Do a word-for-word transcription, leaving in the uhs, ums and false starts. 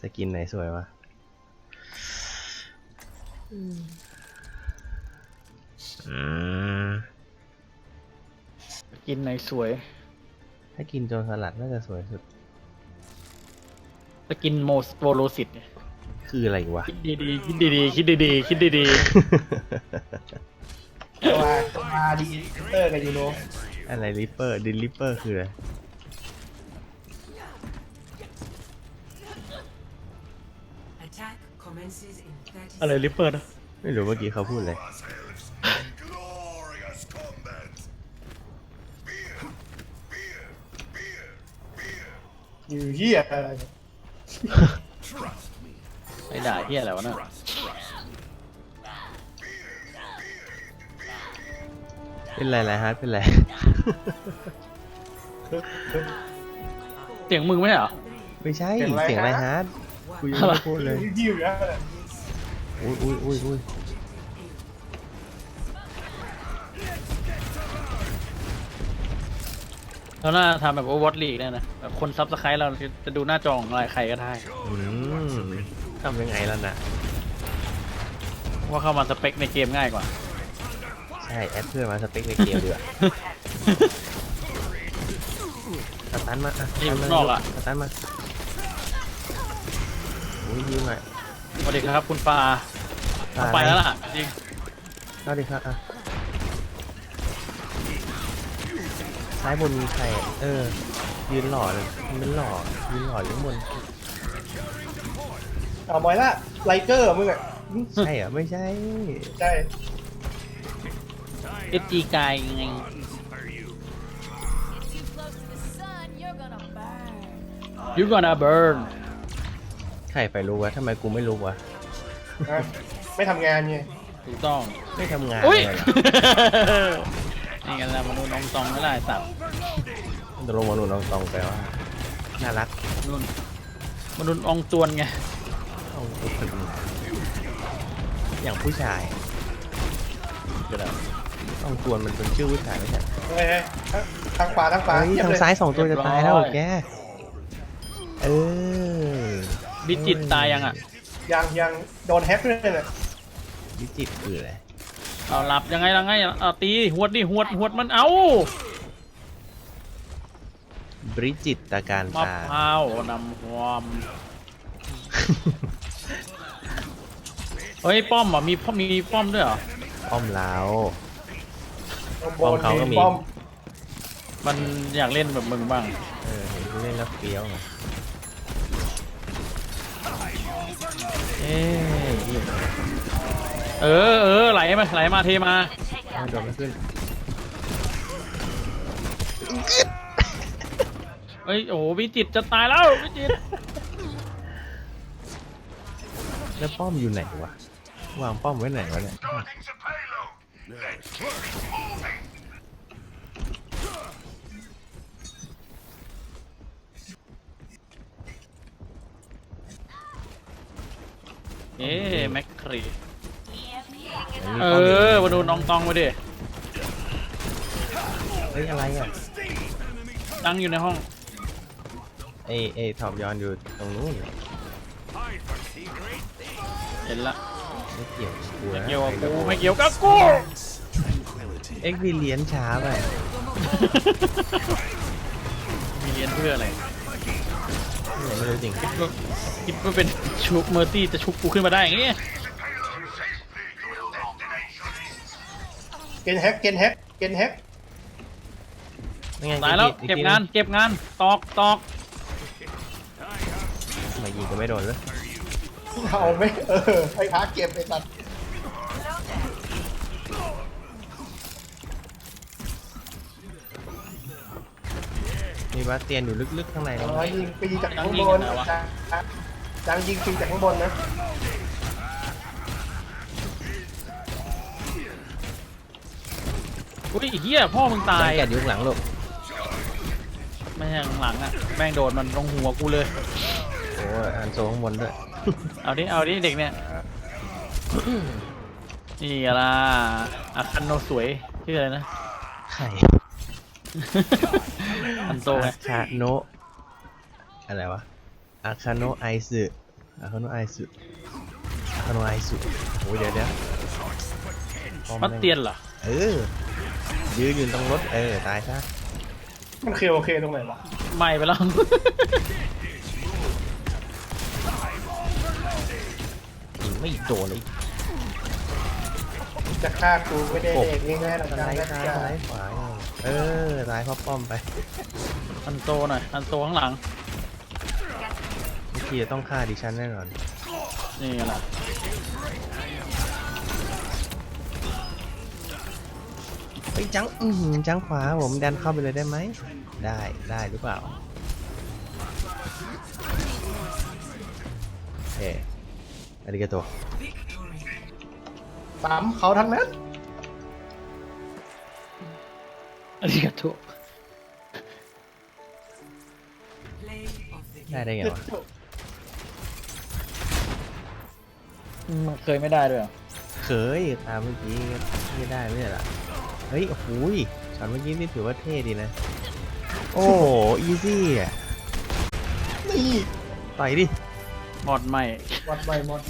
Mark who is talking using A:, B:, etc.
A: สกินไหนสวยวะอืม
B: สกินไหนสวย
A: ถ้ากินโจรสลัดน่าจะสวยสุด
B: สกินโมสโวโลซิต
A: คืออะไรวะ
B: คิดดีๆคิดดีๆคิดดีๆคิดดี
C: ตัวตัวมาดีเตอร์กับยูโร
A: อะไรริปเปอร์ดิลิปเปอร์คืออะไร
B: ๆอะไรลิปเปอร์นะ
A: ไม่รู้เมื่อกี้เขาพูดอะไร
C: อยู่เฮียอะไร
B: ไอ้ด่าเฮียอะไรวะน่ะ
A: เป็นไรไรฮาร์ดเป็นไร
B: เสียงมึงไหมเหรอ
A: ไม่ใช่เสียงไรฮาร์ดกูยังไม่พูดเลย
C: ยิ้วอยู่นะ
A: อุ้ยอุ้ยอุ้ยอุ้ย
B: แล้วน่าทำแบบโอเวอร์วอตลีกเนี่ยนะแบบคนซับสไครต์เราจะดูหน้าจอของอะไรใครก็ได้
A: อืมทำยังไงแล้วนะ
B: ว่าเข้ามาสเปคในเกมง่ายกว่า
A: ใช่แอดเพื่อนมาสเปคในเกมดีกว่าสตันมาอ่ะ
B: นี่นอกอ่ะ
A: สตันมาอุ้ยยิงหน่อย
B: สวัสดีครับคุณปา
A: ตาย
B: ไปแล้วล่ะจริง
A: สวัสดีครับอ่ะซ้ายบนมีใครอ่ะเออยืนหล่อเลยมันหล่อยืนหล่ออยู่ข้างบน
C: เอาบอยละไลเกอร์มึงอ่ะ
A: ใช่เหรอไม่ใช่
C: ใช่
B: เอจีกายยังไง you gonna burn
A: ใครไปรู้วะทำไมกูไม่รู้วะ
C: นะไม่ทำงานไง
B: ถูกต้อง
A: ไม่ทำงาน
B: อุ้ย
A: เลยเหรอ
B: นี่กันแล้วมนุษย์น้องตองไม่ได้สัตว์
A: ตกลงมาหนุนลองตองไปว่าน่ารัก
B: นุ่นมนุษย์อองตวนไง
A: เอาไปถึงอย่างผู้ชาย
B: ก็ได้
A: ต้องตวนมันเป็นชื่อผู้ชายไม่ใช่
C: เฮ้ยทางขวาทางขวา
A: เฮ้ย
C: เทียบ
A: ทาง
C: เลย
A: ซ้ายสองตัวจะตายแล้วแกเออ
B: บิจิตตายยังอ่ะ
C: ยังยังโดนแฮกด้วยน่ะ
A: วิจิตรคืออะไร
B: เอาหลับยังไงล่ะไงเอาตีหวดดิหวดหวดมันเอา
A: บริจิตตาการ
B: มะ
A: ตา
B: พร้าวนำความเฮ้ยป้อมอ่ะมีป้อมมีป้อมด้วยเหรอ
A: อ้อมเล้า
C: บอล
A: เขาก็มี
C: บอม
B: มันอยากเล่นแบบมึงบ้าง
A: เออเห็นผู้เล่นแล้วเฟี้ยวไงเอ๊ะนี่
B: เออเออไหลมาไหลมาเทมา
A: เอาโดนไม่ขึ้น
B: เฮ้ยโอ้โหวิจิตรจะตายแล้ววิจิตร
A: แล้วป้อมอยู่ไหนวะวางป้อมไว้ไหนวะเนี่ย
B: เอ๊ะแม็กครี
A: มันมี
B: เอ
A: ป้มยู่
B: อมาดูน้องตองไปดิ
A: เฮ้ยอะไรอ่ะ
B: ตั้งอยู่ในห้อง
A: ไอไอท็อปยอนอยู่ตรงนู้น
B: เห็นละ
A: ไม่เกี่ยวกับกู
B: ไม่
A: นะ
B: เกี่ยวกับกูไม่เกี่ยวกับกู
A: เอ็กซ์เลียนช้าไป
B: มีเรียนเพื่ออะไร
A: ไม่รู้จริง
B: ก็คิดว่าเป็นชุบเมอร์ตี้จะชุบกูขึ้นมาได้อย่างงี้
C: เกนแฮกเกนแฮกเกนแฮก
A: ไม่ไง
B: ตายแล้ว
A: อี
B: เก็บ
A: ที
B: งานเก็บงานตอกตอก
A: ทำไมายิงก็ไม่โดนเลย
C: เอาไหมเออไอ้พาเก็บไอ้สัตว์
A: มีบาสเตียนอยู่ลึกๆข้างใน
C: อ๋
A: นะ
C: อยิงไปยิงจากข้างบนจังยิงฟรีจากข้างบนนะ
B: อุ้ยเฮียพ่อมึงตา
A: สั
B: ย
A: งเกตยุคหลังลูก
B: ไม่ใช่ข้างหลังอ่ะแม่งโดนมันลงหัวกูเลย
A: โอ้ยอันโซข้างบนด้วย
B: เอาดิเอาดิเด็กเนี่ยนี่ล่ะอาคันโนสวยชื่ออะไรนะ
A: ไข่
B: อันโตไง
A: อาคาโนะอะไรวะอาคาโนะไอซึอาคาโนะไอสุอาคาโนะไอสุโอ้ยเดี๋ยวเดี๋ยวป้อ
B: มัดเตียนเหรอ
A: เออยืนอยู่ตรงรถเออตายซะ
C: มันเคโอเคตรงไหนวะ
B: ไหม่ไปแล้ว
A: ยิงไม่โดนเลย
C: จะฆ่ากูไม่ได้เด็กง่ายๆหรอก
A: ส
C: จ้า
A: ไลด์
C: จ้า
A: ซ้ายสไลด์ขวาเออตายเพราะป้อมไป
B: อันโตหน่อยอันโตข้างหลัง
A: เมื่อกี้จะต้องฆ่าดิฉันแน่นอน
B: นี่แหละ
A: เฮ้ยจังอือหือจังขวาผมดันเข้าไปเลยได้ไหมได้ได้หรือเปล่าเอออาริกาโต
C: สามเขาทั้งนั้น
B: อันนี้กระทุก
A: ได้ได้ไงวะ
B: มันเคยไม่ได้ด้วยเหรอ
A: เคยตามเมื่อกี้ไม่ได้ไม่ใช่เหรอเฮ้ยโอ้โหยช็อตเมื่อกี้นี่ถือว่าเท่ดีนะ โอ้อีซี่อ่ะ
C: นี่
A: ต่อยดิ
B: หมดใหม่
C: วัดใบหมด